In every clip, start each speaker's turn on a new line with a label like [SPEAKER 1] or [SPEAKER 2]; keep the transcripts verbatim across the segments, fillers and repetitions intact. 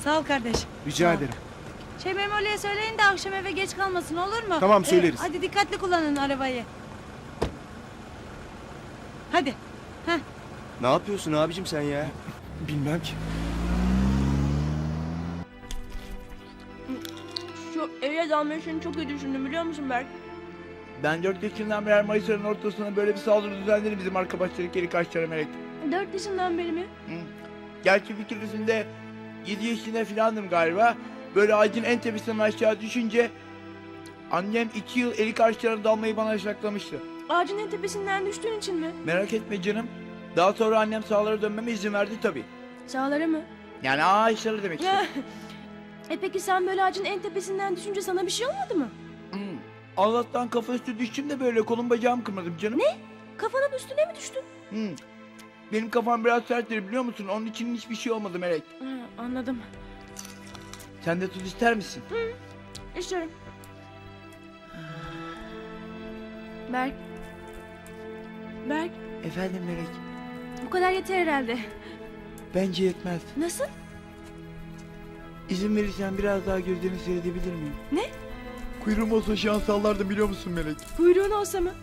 [SPEAKER 1] Sağ ol kardeş.
[SPEAKER 2] Rica
[SPEAKER 1] Sağ ol.
[SPEAKER 2] ederim.
[SPEAKER 1] Şey Memoli'ye söyleyin de akşam eve geç kalmasın, olur mu?
[SPEAKER 2] Tamam, söyleriz.
[SPEAKER 1] Ee, hadi dikkatli kullanın arabayı. Hadi. Heh.
[SPEAKER 3] Ne yapıyorsun abicim sen ya?
[SPEAKER 2] Bilmem ki.
[SPEAKER 4] Şu eve dalma işini çok iyi düşündüm biliyor musun Berk?
[SPEAKER 5] Ben dört yaşından beri Mayıs ayının ortasına böyle bir saldırı düzenleri bizim arkadaşları geri kaçtılar Melek.
[SPEAKER 4] Dört yaşından beri mi?
[SPEAKER 5] Hı. Gerçi bir keresinde yedi yaşında filandım galiba. Böyle ağacın en tepesinden aşağı düşünce annem iki yıl elik ağaçlarına dalmayı bana yasaklamıştı.
[SPEAKER 4] Ağacın en tepesinden düştüğün için mi?
[SPEAKER 5] Merak etme canım. Daha sonra annem sahalara dönmeme izin verdi tabii.
[SPEAKER 4] Sağlara mı?
[SPEAKER 5] Yani ağaçları demek istedim.
[SPEAKER 4] e peki sen böyle ağacın en tepesinden düşünce sana bir şey olmadı mı?
[SPEAKER 5] Hı. Allah'tan kafa üstü düştüm de böyle kolum bacağım kırmadım canım.
[SPEAKER 4] Ne? Kafanın üstüne mi düştün?
[SPEAKER 5] Hı. Benim kafam biraz serttir biliyor musun? Onun için hiçbir şey olmadı Melek.
[SPEAKER 4] Ha, anladım.
[SPEAKER 5] Sen de tuz ister misin?
[SPEAKER 4] İstiyorum. Berk. Berk,
[SPEAKER 5] Efendim Melek.
[SPEAKER 4] bu kadar yeter herhalde.
[SPEAKER 5] Bence yetmez.
[SPEAKER 4] Nasıl?
[SPEAKER 5] İzin verirsen biraz daha gözlerini seyredebilir miyim?
[SPEAKER 4] Ne?
[SPEAKER 5] Kuyruğum olsa şu an sallardım biliyor musun Melek?
[SPEAKER 4] Kuyruğun olsa mı?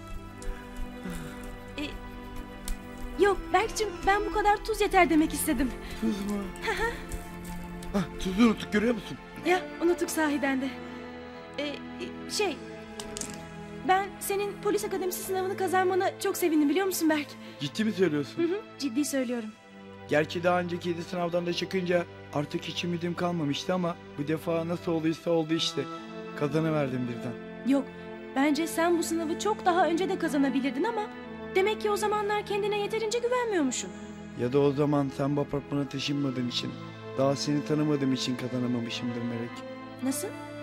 [SPEAKER 4] E, yok Berk'cim, ben bu kadar tuz yeter demek istedim.
[SPEAKER 5] Tuz mu? Hah, tuzu unuttuk görüyor musun?
[SPEAKER 4] Ya unuttuk sahiden de. E, e, şey... Ben senin polis akademisi sınavını kazanmana çok sevindim biliyor musun Berk?
[SPEAKER 5] Ciddi mi söylüyorsun?
[SPEAKER 4] Hı hı, ciddi söylüyorum.
[SPEAKER 5] Gerçi daha önceki yedi sınavdan da çıkınca artık hiç ümidim kalmamıştı ama bu defa nasıl olduysa oldu işte. Kazanıverdim birden.
[SPEAKER 4] Yok, bence sen bu sınavı çok daha önce de kazanabilirdin ama... Demek ki o zamanlar kendine yeterince güvenmiyormuşsun.
[SPEAKER 5] Ya da o zaman sen bu apartmana taşınmadığın için, daha seni tanımadığım için kazanamamışımdır Melek.
[SPEAKER 4] Nasıl?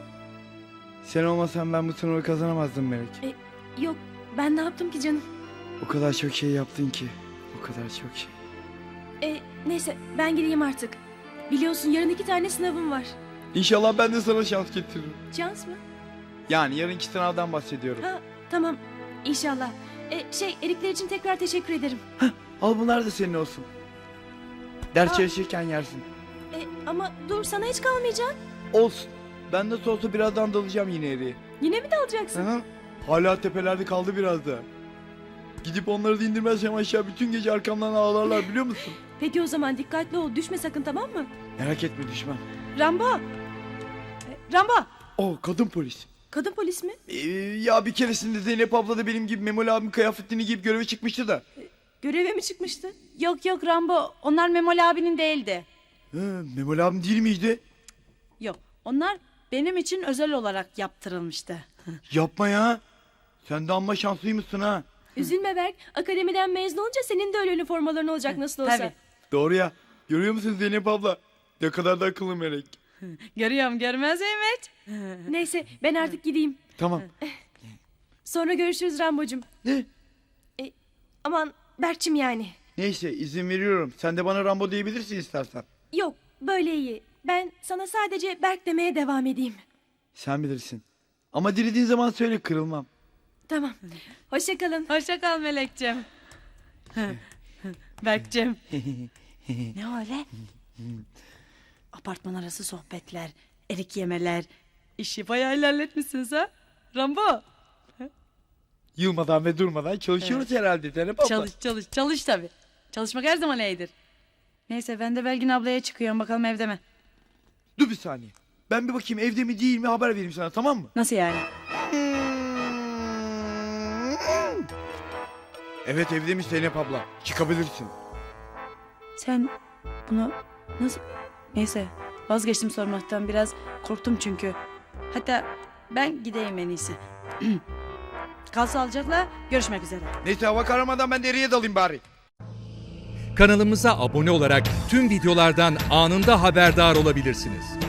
[SPEAKER 5] Sen olmasan ben bu sınavı kazanamazdım Melek.
[SPEAKER 4] E, yok, ben ne yaptım ki canım?
[SPEAKER 5] O kadar çok şey yaptın ki. O kadar çok şey.
[SPEAKER 4] E, neyse, ben gideyim artık. Biliyorsun yarın iki tane sınavım var.
[SPEAKER 5] İnşallah ben de sana şans getiririm.
[SPEAKER 4] Şans mı?
[SPEAKER 5] Yani yarınki sınavdan bahsediyorum.
[SPEAKER 4] Ha, tamam, İnşallah. E, şey, erikler için tekrar teşekkür ederim.
[SPEAKER 5] Al bunlar da senin olsun. Ders
[SPEAKER 4] Aa.
[SPEAKER 5] çalışırken yersin.
[SPEAKER 4] E, ama dur, sana hiç kalmayacak.
[SPEAKER 5] Olsun. Ben nasıl olsa birazdan dalacağım yine eriye.
[SPEAKER 4] Yine mi dalacaksın?
[SPEAKER 5] Hı? Hala tepelerde kaldı biraz da. Gidip onları da indirmezsem aşağı bütün gece arkamdan ağlarlar biliyor musun?
[SPEAKER 4] Peki o zaman dikkatli ol, düşme sakın, tamam mı?
[SPEAKER 5] Merak etme düşmem.
[SPEAKER 4] Rambo! E, Rambo!
[SPEAKER 5] Oh kadın polis.
[SPEAKER 4] Kadın polis mi?
[SPEAKER 5] Ee, ya bir keresinde Zeynep abla da benim gibi Memoli abim kıyafetini giyip göreve çıkmıştı da.
[SPEAKER 4] Göreve mi çıkmıştı?
[SPEAKER 1] Yok yok Rambo, onlar Memoli abinin değildi.
[SPEAKER 5] Hı, Memoli abim değil miydi?
[SPEAKER 1] Yok, onlar benim için özel olarak yaptırılmıştı.
[SPEAKER 5] Yapma ya. Sen de amma şanslıymışsın ha.
[SPEAKER 4] Üzülme Berk, akademiden mezun olunca senin de öyle üniformaların olacak nasıl olsa.
[SPEAKER 1] Tabii.
[SPEAKER 5] Doğru ya. Görüyor musun Zeynep abla? Ne kadar da akıllı melek.
[SPEAKER 1] Görüyorum, görmez miyim?
[SPEAKER 4] Neyse, ben artık gideyim.
[SPEAKER 5] Tamam.
[SPEAKER 4] Sonra görüşürüz Rambo'cum.
[SPEAKER 5] Ne?
[SPEAKER 4] E, aman Berk'cim yani.
[SPEAKER 5] Neyse izin veriyorum. Sen de bana Rambo diyebilirsin istersen.
[SPEAKER 4] Yok, böyle iyi. Ben sana sadece Berk demeye devam edeyim.
[SPEAKER 5] Sen bilirsin. Ama dilediğin zaman söyle kırılmam.
[SPEAKER 4] Tamam. Hoşça kalın.
[SPEAKER 1] Hoşça kal Melekciğim. Berkciğim. Ne öyle? Apartman arası sohbetler, erik yemeler. İşi bayağı ilerletmişsiniz ha? Rambo.
[SPEAKER 5] Yılmadan ve durmadan çalışıyoruz herhalde Zeynep abla.
[SPEAKER 1] Çalış çalış çalış tabii. Çalışmak her zaman iyidir. Neyse ben de Belgin ablaya çıkıyorum, bakalım evde mi?
[SPEAKER 5] Dur bir saniye. Ben bir bakayım evde mi değil mi haber vereyim sana tamam mı?
[SPEAKER 1] Nasıl yani?
[SPEAKER 5] Evet evdemiş Zeynep abla. Çıkabilirsin.
[SPEAKER 1] Sen bunu nasıl... Neyse vazgeçtim sormaktan, biraz korktum çünkü. Hatta ben gideyim en iyisi. Kal sağlıcakla, görüşmek üzere.
[SPEAKER 5] Neyse hava karamadan ben deriye dalayım bari.
[SPEAKER 6] Kanalımıza abone olarak tüm videolardan anında haberdar olabilirsiniz.